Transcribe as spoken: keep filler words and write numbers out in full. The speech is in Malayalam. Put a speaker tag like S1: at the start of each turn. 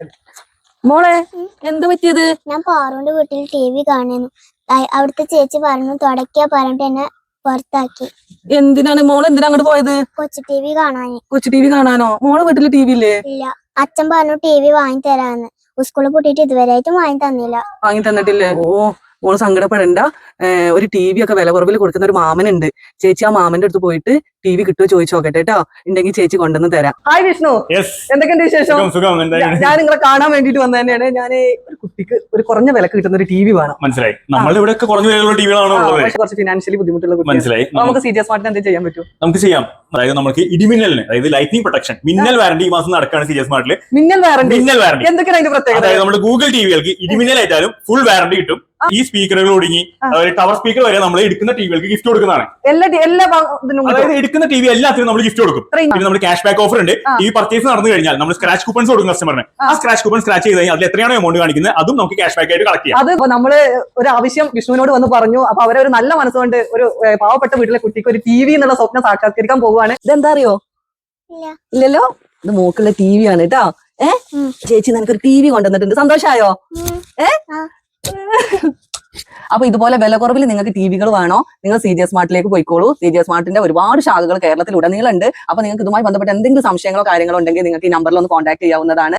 S1: മോളെ എന്ത് പറ്റിയത്?
S2: ഞാൻ പാറുവിന്റെ വീട്ടിൽ ടി വി കാണുന്നു. അവിടുത്തെ ചേച്ചി പറഞ്ഞു തുടക്കാ പറഞ്ഞിട്ട് എന്നെ പുറത്താക്കി.
S1: എന്തിനാണ് മോള് എന്തിനാ അങ്ങോട്ട് പോയത്?
S2: കൊച്ചു ടി വി കാണാന്.
S1: കൊച്ചു ടി വി കാണാനോ? മോളെ വീട്ടില് ടി വി ഇല്ലേ?
S2: ഇല്ല, അച്ഛൻ പറഞ്ഞു ടി വി വാങ്ങി തരാന്ന്. സ്കൂളിൽ പൂട്ടിയിട്ട് ഇതുവരെയായിട്ടും വാങ്ങി തന്നില്ല.
S1: വാങ്ങി തന്നിട്ടില്ലേ? ഓ മോള് സങ്കടപ്പെടണ്ട. ഒരു ടി വി ഒക്കെ വില കുറവിൽ കൊടുക്കുന്ന ഒരു മാമനുണ്ട്. ചേച്ചി ആ മാമന്റെ അടുത്ത് പോയിട്ട് ടി വി കിട്ടുമോ ചോദിച്ചു നോക്കട്ടെ കേട്ടോ. ഉണ്ടെങ്കിൽ ചേച്ചി കൊണ്ടുവന്ന് തരാം. ഹായ് വിഷ്ണു, എന്തൊക്കെയുണ്ട് വിശേഷം? ഞാൻ നിങ്ങളെ കാണാൻ വേണ്ടിട്ട് വന്ന തന്നെയാണ്. ഞാൻ ഒരു കുട്ടിക്ക് ഒരു കുറഞ്ഞ വിലക്ക് കിട്ടുന്ന ഒരു ടി വി വേണം.
S3: മനസ്സിലായി. നമ്മൾ ഇവിടെ കുറഞ്ഞ വിലയുള്ള ടിവികളാണ്
S1: കുറച്ച് ഫിനാൻഷ്യലി ബുദ്ധിമുട്ടുള്ള.
S3: മനസ്സിലായി.
S1: നമുക്ക് സി ജി സ്മാർട്ടിന് എന്ത് ചെയ്യാൻ പറ്റും?
S3: നമുക്ക് ചെയ്യാം. അതായത് നമുക്ക് ഇടിമിന്നലിന്, അതായത് ലൈറ്റിംഗ് പ്രൊട്ടക്ഷൻ, മിന്നൽ വാറന്റി ഈ മാസം നടക്കുകയാണ് സി ജി സ്മാർട്ടില്.
S1: മിന്നൽ വാറന്റി? മിന്നൽ വാറന്റി എന്തൊക്കെയാണ് അതിന്റെ പ്രത്യേകത?
S3: അതായത് നമ്മുടെ ഗൂഗിൾ ടിവികൾക്ക് ഇടിമിന്നൽ ആയിട്ടാലും ഫുൾ വാറന്റി കിട്ടും. ഈ സ്പീക്കറുകൾ ഒടുങ്ങി ടവർ സ്പീക്കർ വരെ നമ്മൾ എടുക്കുന്ന ടിവികൾക്ക് ഗിഫ്റ്റ് കൊടുക്കുന്നതാണ്. അതായത് എടുക്കുന്ന ടി വി എല്ലാത്തിനും നമ്മൾ ഗിഫ്റ്റ് കൊടുക്കും. പിന്നെ നമ്മൾ ക്യാഷ് ബാക്ക് ഓഫർ ഉണ്ട്. ടി വി പർച്ചേസ് നടന്നു കഴിഞ്ഞാൽ നമ്മൾ സ്ക്രാച്ച് കൂപ്പൺസ് കൊടുക്കും കസ്റ്റമറിന്. ആ സ്ക്രാച്ച് കൂപ്പൺ സ്ക്രാച്ച് ചെയ്ത് കഴിഞ്ഞാൽ അതിൽ എത്രയാണോ എമൗണ്ട് കാണിക്കുന്നത് അതും നമുക്ക് ക്യാഷ് ബാക്ക് ആയിട്ട് കളക്ട് ചെയ്യാം.
S1: അത് നമ്മള് ഒരു ആവശ്യം വിഷ്ണുവിനോട് വന്ന് പറഞ്ഞു. അപ്പൊ അവരെ ഒരു നല്ല മനസ്സുകൊണ്ട് ഒരു പാവപ്പെട്ട വീട്ടിലെ കുട്ടിക്ക് ഒരു ടി വി എന്നുള്ള സ്വപ്നം സാക്ഷാത്കരിക്കാൻ പോവുകയാണ്. ഇതെന്താ അറിയോ? ഇല്ലല്ലോ, ഇത് മോക്കുള്ള ടി വി ആണ് കേട്ടോ. ഏഹ് ചേച്ചി നിനക്കൊരു ടി വി കൊണ്ടുവന്നിട്ടുണ്ട്. സന്തോഷായോ? ഏഹ് അപ്പൊ ഇതുപോലെ വില കുറവിൽ നിങ്ങൾക്ക് ടി വികൾ വേണോ? നിങ്ങൾ സി ജി സ്മാർട്ടിലേക്ക് പോയിക്കോളൂ. സി ജി സ്മാർട്ടിന്റെ ഒരുപാട് ശാഖകൾ കേരളത്തിൽ ഉടനീളമുണ്ട്. അപ്പൊ നിങ്ങൾക്ക് ഇതുമായി ബന്ധപ്പെട്ട എന്തെങ്കിലും സംശയങ്ങളോ കാര്യങ്ങളോ ഉണ്ടെങ്കിൽ നിങ്ങൾക്ക് ഈ നമ്പറിൽ ഒന്ന് കോൺടാക്ട് ചെയ്യാവുന്നതാണ്.